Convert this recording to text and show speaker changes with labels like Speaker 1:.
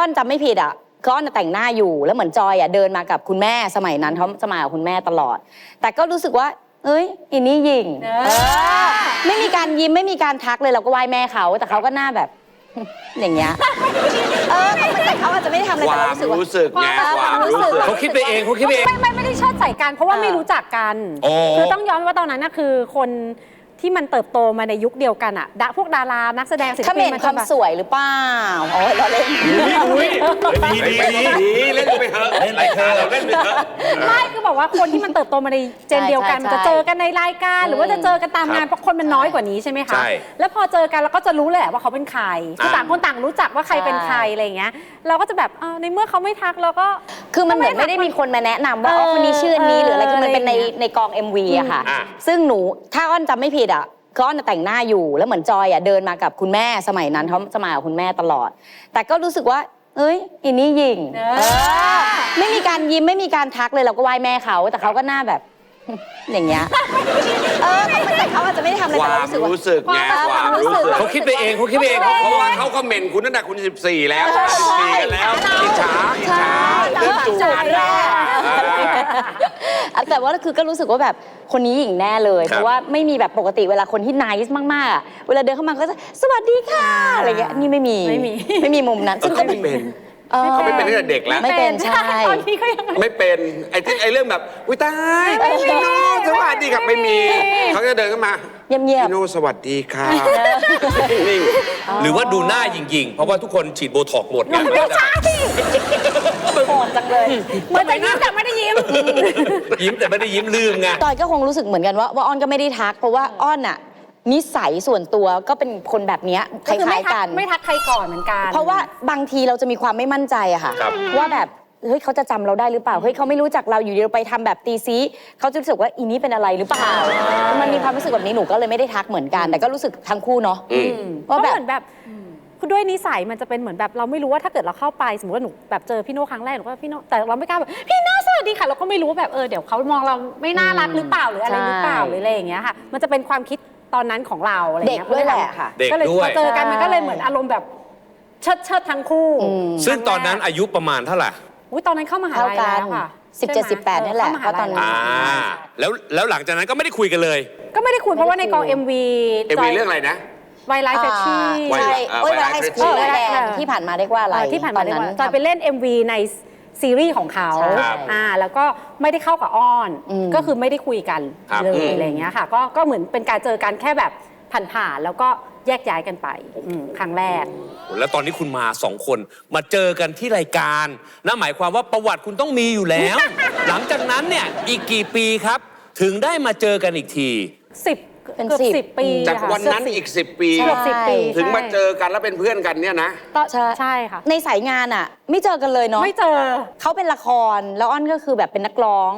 Speaker 1: อนจำไม่ผิดอ่ะก็อ้อนแต่งหน้าอยู่แล้วเหมือนจอยอ่ะเดินมากับคุณแม่สมัยนั้นเขาจะมากับคุณแม่ตลอดแต่ก็รู้สึกว่าเอ้ยอินนี่ยิงไม่มีการยิ้มไม่มีการทักเลยเราก็ไหว้แม่เขาแต่เขาก็หน้าแบบอย่างเงี้ยแต่เขาอาจจะไม่ได้ทำอะไรแต่เรารู้สึกว่า
Speaker 2: ความรู้สึกเขาคิดไปเอง
Speaker 3: ไม่ได้เชิดใส่กันเพราะว่าไม่รู้จักกันคือต้องย้อนว่าตอนนั้นน่ะคือคนที่มันเติบโตมาในยุคเดียวกันอ่ะพวกดารานักแสดงศิลปิน
Speaker 1: มันความสวยหรือเปล่าโอ้ยเราเล่น
Speaker 2: ดีเล่นไปเถอะเล่นไปเถอะเราเล่นไปเถอะ
Speaker 3: ไม่คือบอกว่าคนที่มันเติบโตมาในเจนเดียวกันมันจะเจอกันในรายการหรือว่าจะเจอกันตามงานเพราะคนมันน้อยกว่านี้ใช่ไหมคะแล้วพอเจอกันเราก็จะรู้เลยว่าเขาเป็นใครคือต่างคนต่างรู้จักว่าใครเป็นใครอะไรอย่างเงี้ยเราก็จะแบบในเมื่อเขาไม่ทักเราก็
Speaker 1: คือมันเหมือนไม่ได้มีคนมาแนะนำว่าคนนี้ชื่อนี้หรืออะไรคือมันเป็นในกอง MV อะค่ะซึ่งหนูถ้าอ้อนจำไม่ผิดอะก็อ้อนแต่งหน้าอยู่แล้วเหมือนจอยอ่ะเดินมากับคุณแม่สมัยนั้นเขาจะมากับคุณแม่ตลอดแต่ก็รู้สึกว่าเอ้ยอินนี่ยิงไม่มีการยิ้มไม่มีการทักเลยเราก็ไหว้แม่เขาแต่เขาก็หน้าแบบอย่างเงี้ยแต่เขาอาจจะไม่ได้ทำอะไรแต่เรารู้สึกว่า
Speaker 2: ความรู้สึกเขาคิดไปเองเพราะว่าเขาคอมเมนต์คุณตั้งแต่คุณ14แล้ว14กันแล้วอิจฉาเรื่องจูบกัน
Speaker 1: แต่ว่าคือก็รู้สึกว่าแบบคนนี้หญิงแน่เลยเพราะว่าไม่มีแบบปกติเวลาคนที่ไนซ์มากๆเวลาเดินเข้ามาก็จะสวัสดีค่ะอะไรเงี้ยนี่ไม่มีมุมนั้น
Speaker 2: ซึ่งเขาไม่เป็นเขาไม่เป็นตั้งแต่เด็กแล้ว
Speaker 1: ไม่เป็นใช่
Speaker 3: ตอนนี้ก็ยัง
Speaker 2: ไม่เป็นไอ้เรื่องแบบอุ้ยตายพี่โน่สวัสดีครับไม่มีเขาจะเดินเข้ามา
Speaker 1: เงียบ
Speaker 2: พี่โน่สวัสดีค่ะนิ่ง
Speaker 4: หรือว่าดูหน้าหยิ่งๆเพราะว่าทุกคนฉีดโบท็อกหมดไง
Speaker 3: ไม่ใช่
Speaker 1: โหดจังเลย
Speaker 3: เหมือนจะยิ้มแต่ไม่ได้ยิ้ม
Speaker 4: ยิ้มแต่ไม่ได้ยิ้มลืมไง
Speaker 1: จอยก็คงรู้สึกเหมือนกันว่าอ้อนก็ไม่ได้ทักเพราะว่าอ้อนอะนิสัยส่วนตัวก็เป็นคนแบบนี้คล้ายๆกัน
Speaker 3: ไม่ทักใครก่อนเหมือนกัน
Speaker 1: เพราะว่าบางทีเราจะมีความไม่มั่นใจอะค่ะว่าแบบเฮ้ยเขาจะจำเราได้หรือเปล่าเฮ้ยเขาไม่รู้จักเราอยู่ดีเราไปทำแบบตีซีเขาจะรู้สึกว่าอีนี้เป็นอะไรหรือเปล่ามันมีความรู้สึกแบบนี้หนูก็เลยไม่ได้ทักเหมือนกันแต่ก็รู้สึกทั้งคู่เนาะ
Speaker 3: ว่าแบบคือด้วยนิสัยมันจะเป็นเหมือนแบบเราไม่รู้ว่าถ้าเกิดเราเข้าไปสมมติว่าหนูแบบเจอพี่โน่ครั้งแรกหนูก็พี่โน่แต่เราไม่กล้าแบบพี่โน่สวัสดีค่ะเราก็ไม่รู้ว่าแบบเดี๋ยวเขามองเราไม่น่ารักหรือเปล่าหรืออะไรหรือเปล่าหรืออะไรอย่างเงี้ยค่ะมันจะเป็นความคิดตอนนั้นของเราอะไรเงี้ย
Speaker 1: เด็กด้วยแหละค่ะ
Speaker 3: ก็เลยพอเจอกันมันก็เลยเหมือนอารมณ์แบบเชิดทั้งคู่
Speaker 4: ซึ่งตอนนั้นอายุประมาณเท่าไหร่
Speaker 3: ตอนนั้นเข้ามหาลัยแล้วค่ะ
Speaker 1: 17-18นี่แหละก็ตอนนั้น
Speaker 4: แล้วหลังจากนั้นก็ไม่ได้คุยกันเลย
Speaker 3: ก็ไม่ได้คุยเพราะว่าในกอง MV
Speaker 2: เรื่องอะไรนะ
Speaker 3: ไวไลฟ์แฟชชี่
Speaker 1: ใช่ไวไลฟ์แฟชชี่ที่ผ่านมาเรียกว่าอะไร
Speaker 3: ที่ผ่านมาเรียกว่าจอยไปเล่น MV ในซีรีส์ของเขาแล้วก็ไม่ได้เข้ากับอ้อนก็คือไม่ได้คุยกันเลยอะไรเงี้ยค่ะก็เหมือนเป็นการเจอกันแค่แบบผ่านๆแล้วก็แยกย้ายกันไปครั้งแรก
Speaker 4: แล้วตอนนี้คุณมา2 คนมาเจอกันที่รายการนั่นหมายความว่าประวัติคุณต้องมีอยู่แล้ว หลังจากนั้นเนี่ยอีกกี่ปีครับถึงได้มาเจอกันอีกที
Speaker 3: เกือบ10 ปี
Speaker 2: จากวันนั้นอีก10 ปีถึงมาเจอกันแล้วเป็นเพื่อนกันเนี่ยนะ
Speaker 3: ใช่ค่ะ
Speaker 1: ในสายงานอ่ะไม่เจอกันเลยเนาะ
Speaker 3: ไม่เจอ
Speaker 1: เขาเป็นละครแล้วอ้อนก็คือแบบเป็นนักร้อง